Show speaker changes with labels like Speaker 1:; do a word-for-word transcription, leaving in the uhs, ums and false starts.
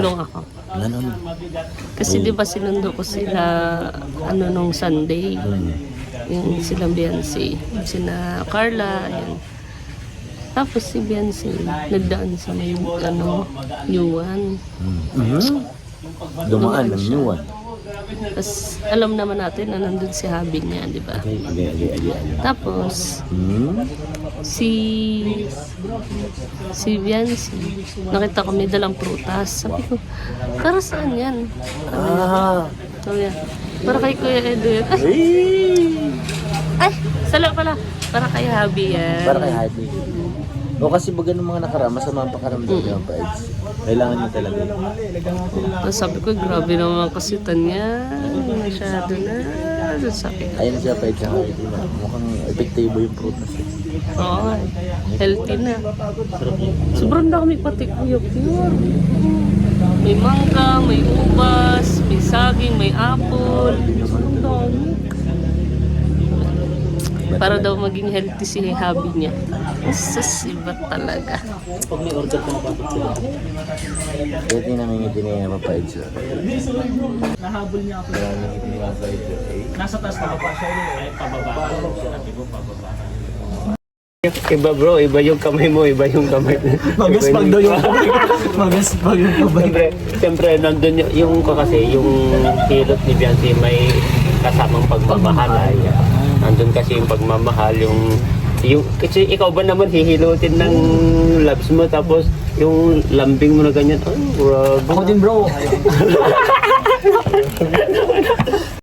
Speaker 1: tumulong ako.
Speaker 2: Ganon.
Speaker 1: Kasi di ba sinundo ko sila ano nung Sunday.
Speaker 2: Hmm.
Speaker 1: Yung silang Beyonce. Sina Carla, yan. Tapos si Beyonce, nagdaan sa may ano, Yuan.
Speaker 2: Hmm. Mhm. Dumaan ng new one.
Speaker 1: Tapos alam naman natin na nandun si Habi niya, di ba?
Speaker 2: Okay, okay, okay, okay, okay.
Speaker 1: Tapos
Speaker 2: Hmm.
Speaker 1: si si Beyonce, nakita ko may dalang prutas. Sabi ko, para saan yan?
Speaker 2: Ah.
Speaker 1: Sabi niya, para kay Kuya Edo yan. Ay,
Speaker 2: Eh.
Speaker 1: ay, sala pala. Para kay Habi yan.
Speaker 2: Para kay Happy. O kasi baga ng mga nakaraan, masama ang pakaramdam niya ang paids. Kailangan niya talaga.
Speaker 1: Tapos sabi ko, grabe naman kasitan niya. Masyado na. Sabi ko,
Speaker 2: Ayun siya paids ang Happy na. Mukhang epektibo yung prutas. Eh.
Speaker 1: oo, healthy na.
Speaker 2: Sarap yun.
Speaker 1: Sobrang dami pati kuya pure. May mangga, may ubas, may saging, may apple. Sobrang dami. Para daw maging healthy si hubby niya. Sus, iba talaga.
Speaker 3: Pag may order ka na bakit sila?
Speaker 2: Kaya tinamingiti na yung mapaids.
Speaker 3: Nahabol niya ako.
Speaker 2: Tinamingiti na yung mapaids.
Speaker 3: Nasa taas na pa siya eh. Pababa. Sinabi ko pababa.
Speaker 4: Iba bro, iba yung kamay mo, iba yung kamay.
Speaker 3: Magaspag daw yung kamay. Magaspag yung kamay.
Speaker 4: Siyempre, siyempre nandun yung, yung ko kasi, yung hilot ni Beyonce may kasamang pagmamahal. Ay, nandun kasi yung pagmamahal, yung yung kasi ikaw ba naman hihilutin ng loves mo tapos yung lambing mo na ganyan, oh, grabe.
Speaker 3: Ako din bro.